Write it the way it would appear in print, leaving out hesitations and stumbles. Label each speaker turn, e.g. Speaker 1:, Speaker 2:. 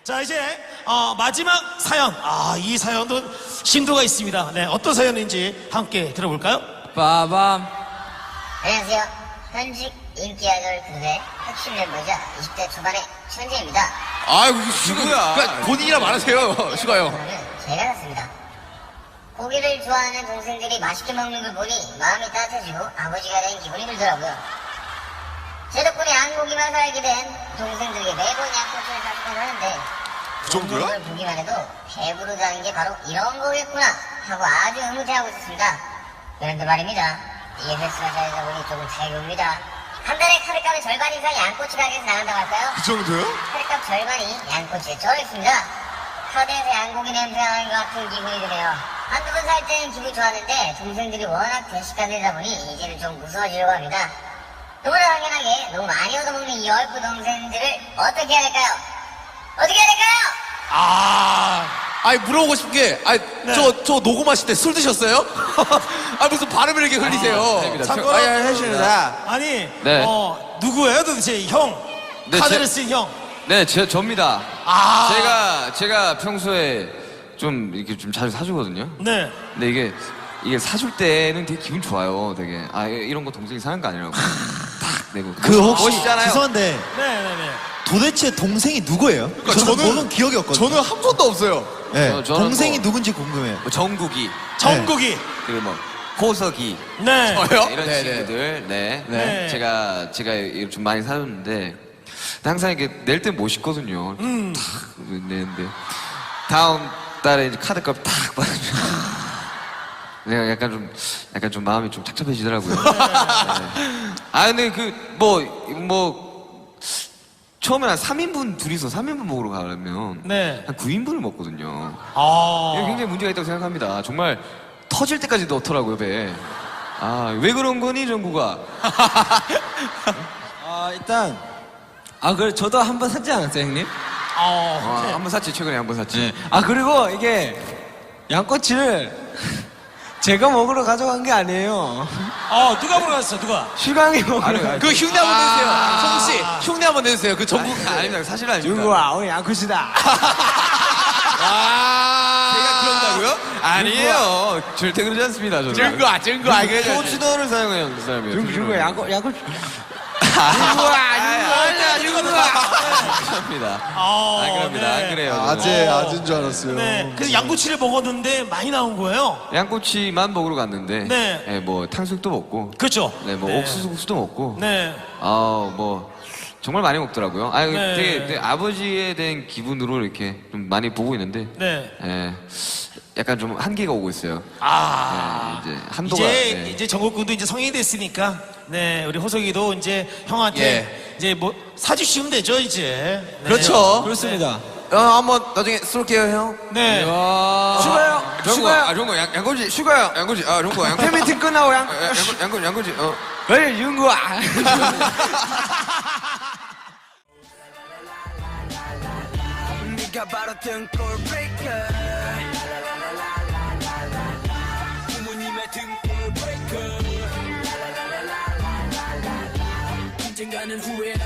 Speaker 1: 자, 이제 마지막 사연. 이 사연도 심도가 있습니다. 네, 어떤 사연인지 함께 들어볼까요?
Speaker 2: 빠밤.
Speaker 3: 안녕하세요. 현직 인기 아이돌 그룹의 핵심 멤버이자 20대 초반의 천재입니다.
Speaker 4: 아이고 누구야? 그러니까 본인이라 말하세요, 슈가요.
Speaker 3: 오늘은 제가 샀습니다. 고기를 좋아하는 동생들이 맛있게 먹는 걸 보니 마음이 따뜻해지고 아버지가 된 기분이 들더라고요. 제 덕분에 양고기만 살게 된 동생들에게 매번 양꼬치를 사주곤 하는데
Speaker 4: 그 정도야?
Speaker 3: 걸 보기만 해도 배부르다는 게 바로 이런 거겠구나 하고 아주 흐뭇해하고 있었습니다. 그런데 말입니다. 이게 횟수가 쌓이다 보니 조금 차이가 옵니다. 한 달에 카드값의 절반 이상이 양꼬치 가게에서 나간다고 할까요?
Speaker 4: 그 정도요?
Speaker 3: 카드값 절반이 양꼬치에 쩔어있습니다. 카드에서 양고기 냄새 나는 것 같은 기분이 드네요. 한두 번 살 때는 기분이 좋았는데 동생들이 워낙 대식가들이다 보니 이제는 좀 무서워지려고 합니다. 너무나 당연하게 너무 많이 얻어먹는 이 얼ப்பு 동생들을 어떻게 해야 될까요? 어떻게 해야 될까요?
Speaker 4: 아니 물어보고 싶은 게,
Speaker 1: 네.
Speaker 4: 저 녹음하실 때 술 드셨어요? 무슨 발음을 이렇게 흘리세요?
Speaker 1: 참고로
Speaker 2: 하십니다.
Speaker 1: 아니,
Speaker 2: 네.
Speaker 1: 누구예요 도대체? 형.
Speaker 2: 네,
Speaker 1: 카드를 쓴 형.
Speaker 2: 네, 저입니다. 제가 평소에 좀 이렇게 좀 자주 사주거든요.
Speaker 1: 네.
Speaker 2: 근데 이게 사줄 때는 되게 기분 좋아요. 되게 이런 거 동생이 사는 거 아니라고 딱 내고
Speaker 5: 그 혹시
Speaker 2: 멋있잖아요.
Speaker 5: 죄송한데
Speaker 1: 네네네.
Speaker 5: 도대체 동생이 누구예요?
Speaker 4: 그러니까
Speaker 5: 저는
Speaker 4: 저는-
Speaker 5: 보는 기억이 없거든요.
Speaker 4: 저는 한 번도 없어요.
Speaker 5: 네,
Speaker 2: 저는
Speaker 5: 동생이
Speaker 2: 뭐-
Speaker 5: 누군지 궁금해요.
Speaker 2: 뭐 정국이
Speaker 1: 정국이.
Speaker 2: 그리고 뭐 호석이
Speaker 1: 네.
Speaker 4: 저요?
Speaker 2: 이런
Speaker 4: 네네.
Speaker 2: 친구들. 네.
Speaker 1: 네.
Speaker 2: 제가 이거 좀 많이 사줬는데 항상 이게 낼 때 멋있거든요. 탁 내는데 다음 달에 이제 카드값 탁 받으면 내가 약간 좀 마음이 좀 착잡해지더라고요. 네. 근데 처음에 한 3인분 둘이서 3인분 먹으러 가려면
Speaker 1: 네.
Speaker 2: 한 9인분을 먹거든요. 이게 굉장히 문제가 있다고 생각합니다. 정말 터질 때까지 넣더라고요, 배에. 왜 그런 거니, 정국아?
Speaker 6: 일단 그래 저도 한 번 샀지 않았어요, 형님?
Speaker 2: 한 번 샀지, 최근에 한 번 샀지.
Speaker 6: 그리고 이게 양꼬치를 제가 먹으러 가져간 게 아니에요.
Speaker 1: 누가 물어봤어, 누가?
Speaker 6: 슈강이 먹으러.
Speaker 4: 그 흉내 한번 내주세요. 성우 씨, 흉내 한번 내주세요. 그 전국.
Speaker 2: 아닙니다. 사실 아닙니다.
Speaker 6: 윤구야, 오늘 양꼬치다.
Speaker 4: 제가 그런다고요?
Speaker 2: 아니에요. 절대 그러지 않습니다, 저는.
Speaker 4: 증거.
Speaker 2: 포츠너를 사용해요, 그 사람이에요.
Speaker 6: 윤구야, 양꼬치.
Speaker 2: 윤구야. 감사합니다. 그럽니다. 안 그래요.
Speaker 7: 아재인 줄 알았어요.
Speaker 1: 네. 그래서 양꼬치를 먹었는데 많이 나온 거예요.
Speaker 2: 양꼬치만 먹으러 갔는데,
Speaker 1: 네.
Speaker 2: 뭐 탕수육도 먹고,
Speaker 1: 그렇죠.
Speaker 2: 네, 뭐 옥수수도 먹고,
Speaker 1: 네.
Speaker 2: 정말 많이 먹더라고요.
Speaker 1: 네.
Speaker 2: 되게 아버지에 대한 기분으로 이렇게 좀 많이 보고 있는데,
Speaker 1: 네.
Speaker 2: 약간 좀 한계가 오고 있어요. 이제 한도가. 네.
Speaker 1: 이제 정국 군도 이제 성인이 됐으니까, 네, 우리 호석이도 이제 형한테 이제 뭐 사주시면 되죠, 이제. 네.
Speaker 4: 그렇죠.
Speaker 6: 그렇습니다.
Speaker 4: 한번 나중에 쏠게요, 형.
Speaker 1: 네.
Speaker 6: 슈가요. 슈가요.
Speaker 4: 정국, 양꼬치, 슈가요. 양꼬치, 정국, 양꼬치.
Speaker 6: 팬미팅 끝나고
Speaker 4: 양꼬치,
Speaker 6: 그래, 윤구야.
Speaker 8: 네가 바로 등골 브레이커 부모님의 등골 브레이커 언젠가는 후회할